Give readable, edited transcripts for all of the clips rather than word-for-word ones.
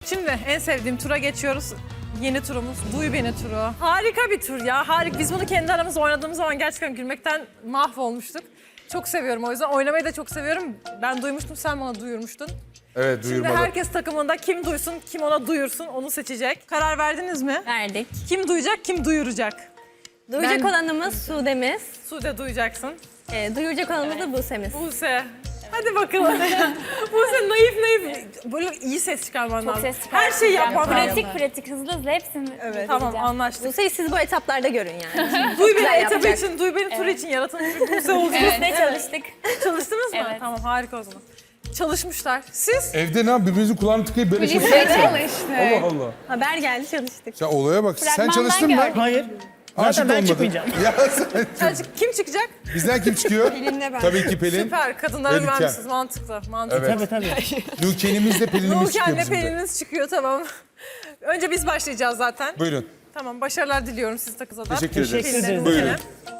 Şimdi en sevdiğim tura geçiyoruz. Yeni turumuz Duy Beni turu. Harika bir tur ya. Harika. Biz bunu kendi aramızda oynadığımız zaman gerçekten gülmekten mahvolmuştuk. Çok seviyorum o yüzden. Oynamayı da çok seviyorum. Ben duymuştum, sen bana duyurmuştun. Evet, Şimdi duyurmalı. herkes takımında kim duysun, kim ona duyursun onu seçecek. Karar verdiniz mi? Verdik. Kim duyacak, kim duyuracak? Duyacak olanımız Sude'miz. Sude duyacaksın. Duyuracak olanımız da Buse'miz. Buse. Hadi bakalım. Buse naif. Böyle iyi ses çıkarman lazım. ses çıkartacağım. Her şeyi yapman lazım. Pratik hızlı hepsini Tamam anlaştık. Buse'yi siz bu etaplarda görün yani. Duy Beni güzel etabı yapacak. için, Duy Beni turu için yaratılmış bir Buse oldu. Ne çalıştık? Çalıştınız mı? Evet. Tamam harika o zaman. Çalışmışlar. Siz? Evde ne yap? Birbirinizin kulağını tıkayıp böyle şey Allah Allah. Haber geldi çalıştık. Ya olaya bak. Sen Fragmandan çalıştın mı? gördüm. Hayır. Aşık Zaten ben olmadın. çıkmayacağım. Ya sen... Kim çıkacak? Bizden kim çıkıyor? Pelin'le ben. Tabii ki Pelin. Süper. Kadınlara Melike. güvenmişsiniz. Mantıklı. Evet. Tabii. Nurken'imiz de Pelin'imiz çıkıyor Nurken'le bizim de. Pelin'iniz çıkıyor tamam. Önce biz başlayacağız zaten. Buyurun. Tamam başarılar diliyorum siz takıza da. Teşekkür ederiz. Teşekkür ederiz. Buyurun.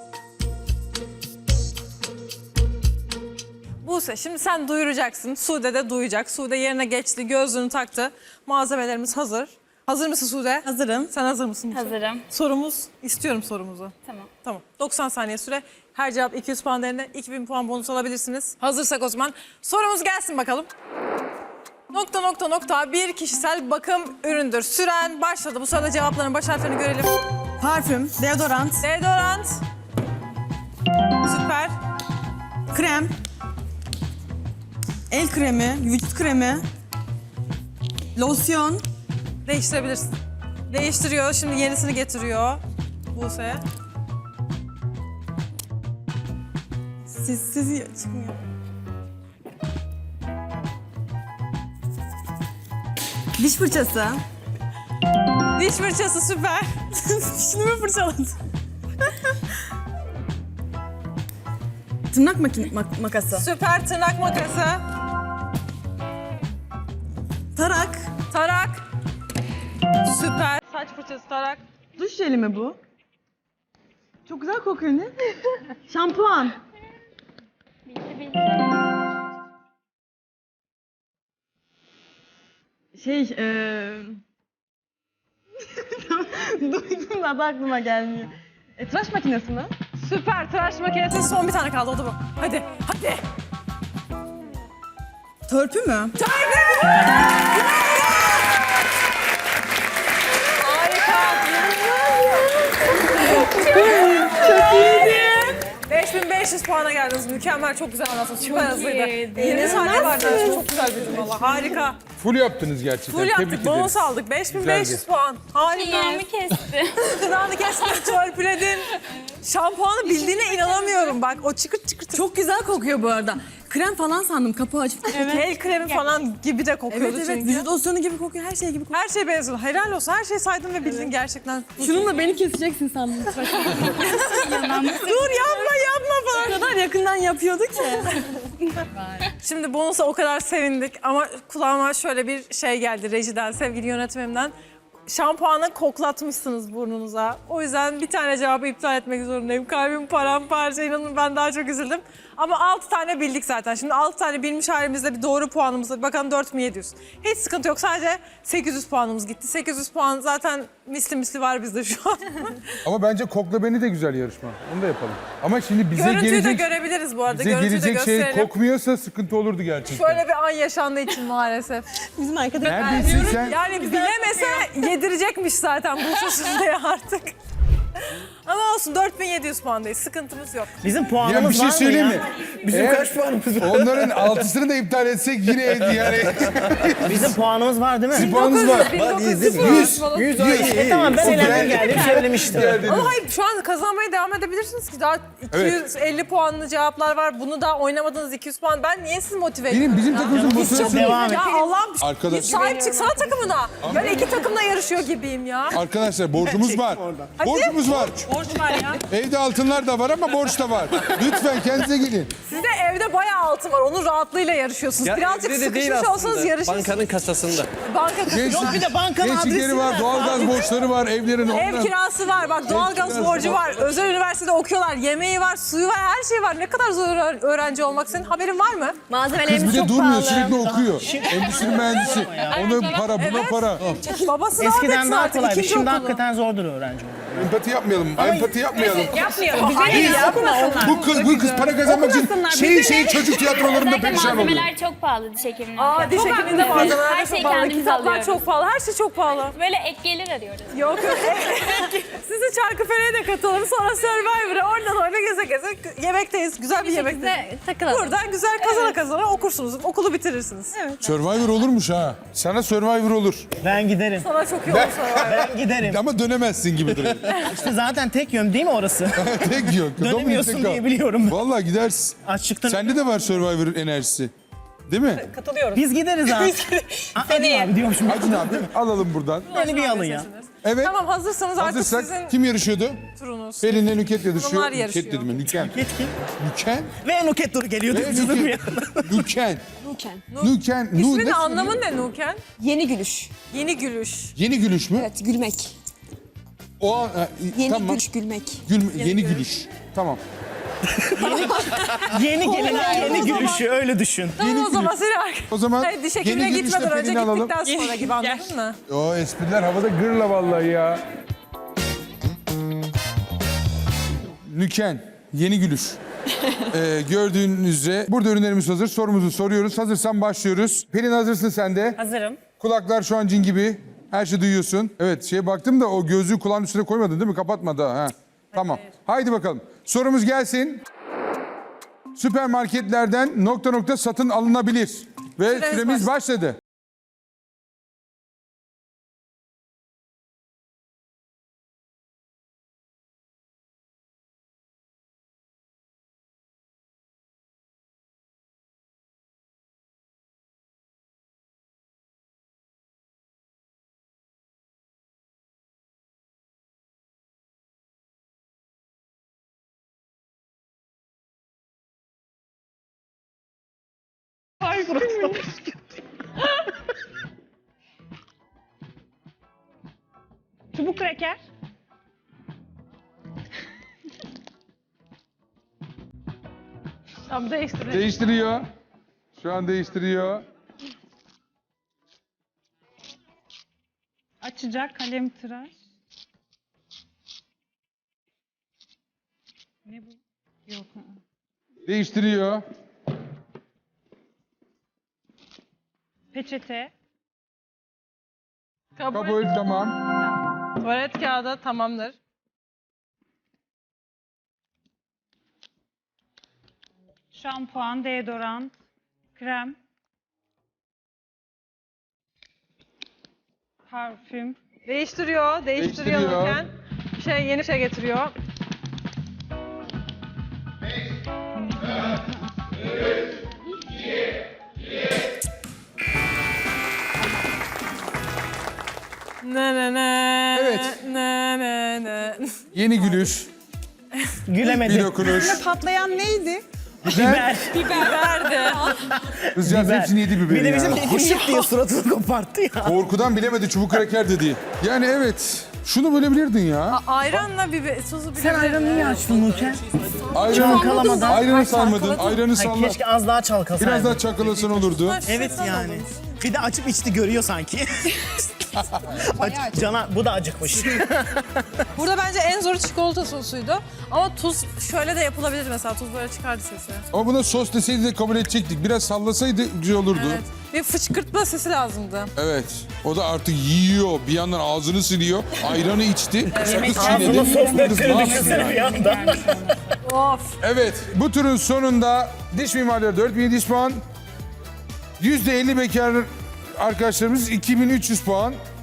Buse şimdi sen duyuracaksın. Sude de duyacak. Sude yerine geçti. Gözlüğünü taktı. Malzemelerimiz hazır. Hazır mısın Sude? Hazırım. Sen hazır mısın Buse? Hazırım. İstiyorum sorumuzu. Tamam. Tamam. 90 saniye süre. Her cevap 200 puan değerinde 2000 puan bonus alabilirsiniz. Hazırsak o zaman sorumuz gelsin bakalım. Nokta bir kişisel bakım üründür. Süren başladı. Bu sırada cevapların baş harflerini görelim. Parfüm, deodorant, Deodorant. Süper. krem, el kremi, vücut kremi, losyon, Değiştirebilirsin. Değiştiriyor. Şimdi yenisini getiriyor. Buse. sizi çıkmıyor. Diş fırçası. Diş fırçası süper. Dişini mi fırçaladın? Tırnak makası. Süper tırnak makası. Tarak. Tarak. Süper. Saç fırçası tarak. Duş jeli mi bu? Çok güzel kokuyor ne? Şampuan. Duydum da adı aklıma gelmiyor. Tıraş makinesi mi? Süper tıraş makinesi. Son bir tane kaldı o da bu. Hadi. Hadi. Törpü mü? Harika. Çok iyiydi. 5500 puana geldiniz. Mükemmel, çok güzel anlattınız. Süper hızlıydı. Yeni sahne vardı. Çok güzel bildin valla. Harika. Full yaptınız gerçekten. Full Tebrik yaptık. Bonus ederiz. aldık. 5500 Güzeldi. puan. Harika. Yerimi kesti. Gıdanı kestin, törpüledin. Şampuanı bildiğine inanamıyorum bak. O çıkırt çıkırt. Çok güzel kokuyor bu arada. Krem falan sandım kapağı açıp. El kremi falan gibi de kokuyordu Evet çünkü. vücut losyonu gibi kokuyor, her şey gibi kokuyor. Her şey benziyor. Helal olsun. Her şeyi saydın ve bildin gerçekten. Şununla beni keseceksin sandım. Dur yapma falan. O kadar yakından yapıyordu ki. Şimdi bonusa o kadar sevindik ama kulağıma şöyle bir şey geldi rejiden, sevgili yönetmenimden. Şampuanı koklatmışsınız burnunuza. O yüzden bir tane cevabı iptal etmek zorundayım. Kalbim paramparça, inanın ben daha çok üzüldüm. Ama 6 tane bildik zaten. Şimdi 6 tane bilmiş halimizde bir doğru puanımız var. Bakalım 4700. Hiç sıkıntı yok. Sadece 800 puanımız gitti. 800 puan zaten misli var bizde şu an. Ama bence Kokla Beni de güzel yarışma. Onu da yapalım. Ama şimdi bize Görüntüyü de gelecek, görebiliriz bu arada. bize Görüntüyü de gelecek şey gösterelim. kokmuyorsa sıkıntı olurdu gerçekten. Şöyle bir an yaşandığı için maalesef. Bizim arkadaş. Neredesin sen? Yani bilemese yedirecekmiş zaten bu Sude'ye artık. Ama olsun 4700 puandayız. Sıkıntımız yok. Bizim Ya bir puanımız şey var mı söyleyeyim ya? mi? Bizim Eğer kaç puanımız var? Onların 6'sını da iptal etsek yine yani. Bizim puanımız var değil mi? Puanınız var. 1900 falan. 100 ay. Tamam ben elendim geldim söylemiştim. Ama hayır şu an kazanmaya devam edebilirsiniz ki daha 250 puanlı cevaplar var. Bunu da oynamadığınız 200 puan. Ben niye sizi motive edeyim? Bizim takımımızın motivasyonu. Devam et. Ya Allah'ım Arkadaş- git sahip çıksana takımına. Ben iki takımla yarışıyor gibiyim ya. Arkadaşlar borcumuz var. Borcumuz var. Borç var ya. Evde altınlar da var ama borç da var. Lütfen kendinize gelin. Sizde evde bayağı altın var. Onun rahatlığıyla yarışıyorsunuz. Ya Birazcık evde de değil sıkışmış olsanız aslında. yarışırsınız. Bankanın kasasında. Banka kasası. Gençlik, bir de bankanın gençlikleri adresi var, var. doğalgaz borçları var, evlerin Ev kirası var, bak doğalgaz kirası borcu var. var, özel üniversitede okuyorlar, yemeği var, suyu var, her şey var. Ne kadar zor öğrenci olmak, senin haberin var mı? Kız Malzemelerimiz bir de çok durmuyor, pahalı. sürekli okuyor. Endüstri mühendisi. Ona para, buna para. Babası rahat Eskiden etsin daha artık, kolaydı. ikinci Şimdi okulu. hakikaten zordur öğrenci olmak. Empati yapmayalım, empati yapmayalım. Hayır yapmasınlar. Bu kız para kazanmak için çocuk tiyatrolarında Özellikle perişan oluyor. malzemeler çok pahalı diş hekimliğinde. Aa, diş hekimliğinde malzemeler Her çok şeyi pahalı, kendimiz kitaplar alıyoruz. çok pahalı, her şey çok pahalı. Böyle ek gelir arıyoruz. Yok yok. Sizi Çarkıfele'ye de katalım, sonra Survivor'a, oradan oraya geze geze yemekteyiz. Güzel bir yemekteyiz. Size takılalım. Buradan güzel kazana okursunuz, okulu bitirirsiniz. Evet. Survivor olurmuş ha. Sana Survivor olur. Ben giderim. Sana çok iyi olur Survivor. Ben giderim. Ama dönemezsin gibi duruyor. İşte zaten tek yön değil mi orası? Tek yok. Dönemiyorsun Dominik diye biliyorum. Vallahi gidersin. Açlıktan. Sende de var Survivor enerjisi. Değil mi? Biz gideriz abi. Hadi abi diyormuşum. Acun abi alalım buradan. Beni bir alın ya. Evet. Tamam, hazırsanız artık Hazırsak sizin kim yarışıyordu? turunuz. Pelin'le Nüket yarışıyor. Hanımlar Nüket yarışıyor. dedim ben. Nüken. Yetkin. Nüken. Ve Nuket Dur geliyordu. Üzüldüm ya. Nüken. Nuken. Nüken. İsminin anlamı ne Nuken? Yeni gülüş. Yeni gülüş. Yeni gülüş mü? Evet, gülmek. O an, Yeni tamam. gülüş, gülmek. Yeni gülüş. Tamam. Yeni gelin yeni gülüşü öyle düşün. Tamam o zaman seni O zaman Hayır, diş yeni hekimine gülüşle gitmeden önce Pelin'i alalım. gittikten sonra gibi, anladın mı? O espriler havada gırla vallahi ya. Nüken. Yeni gülüş. Gördüğünüz üzere burada ürünlerimiz hazır. Sorumuzu soruyoruz. Hazırsan başlıyoruz. Pelin hazırsın sen de. Hazırım. Kulaklar şu an cin gibi. Her şeyi duyuyorsun. Evet, şeye baktım da o gözlüğü kulağın üstüne koymadın değil mi? Kapatma daha. Ha. Tamam. Haydi bakalım. Sorumuz gelsin. Süpermarketlerden nokta nokta satın alınabilir. Ve süremiz başladı. Çubuk kraker. Tamam, değiştirelim. Değiştiriyor. Şu an değiştiriyor. Açacak kalem tıraş. Ne bu? Yok. Değiştiriyor. Peçete. Kabul, tamam. Tuvalet kağıdı tamamdır. Şampuan, deodorant, krem. Parfüm. Değiştiriyor Değiştiriyor. Nuken. Yeni şey getiriyor. Ne ne ne. Evet. Ne ne ne. Yeni gülüş. Bir Gülemedim. dokunuş. Patlayan neydi? Biber. Biberdi. Kızcağız Biber. hepsini yedi biberi Bir de ya. bizim hışık diye suratını koparttı ya. Korkudan bilemedi çubuk kraker dedi. Yani evet. Şunu bölebilirdin ya. Ayranla biber, tuzu biber. Sen ayranı niye açtın Nuken? Ayranı, Çalkalamadan. ayranı sarmadın. Ayranı Ay, salla. keşke az daha çalkasaydın. Biraz daha çakalasan olurdu. Evet yani. Bir de açıp içti görüyor sanki. Cana bu da acıkmış. Burada bence en zoru çikolata sosuydu. Ama tuz şöyle de yapılabilir mesela. Tuz böyle çıkardı sesi. Ama buna sos deseydi de kabul edecektik. Biraz sallasaydı güzel olurdu. Evet. Bir fışkırtma sesi lazımdı. Evet. O da artık yiyor. Bir yandan ağzını siliyor. Ayranı içti. Sakız Ağzına çiğnedi. sos Kız ne döktüğünü yapıyor düşünsene ya? bir anda. Of. Evet. Bu turun sonunda diş mimarları 4700 puan. %50 bekar arkadaşlarımız 2300 puan.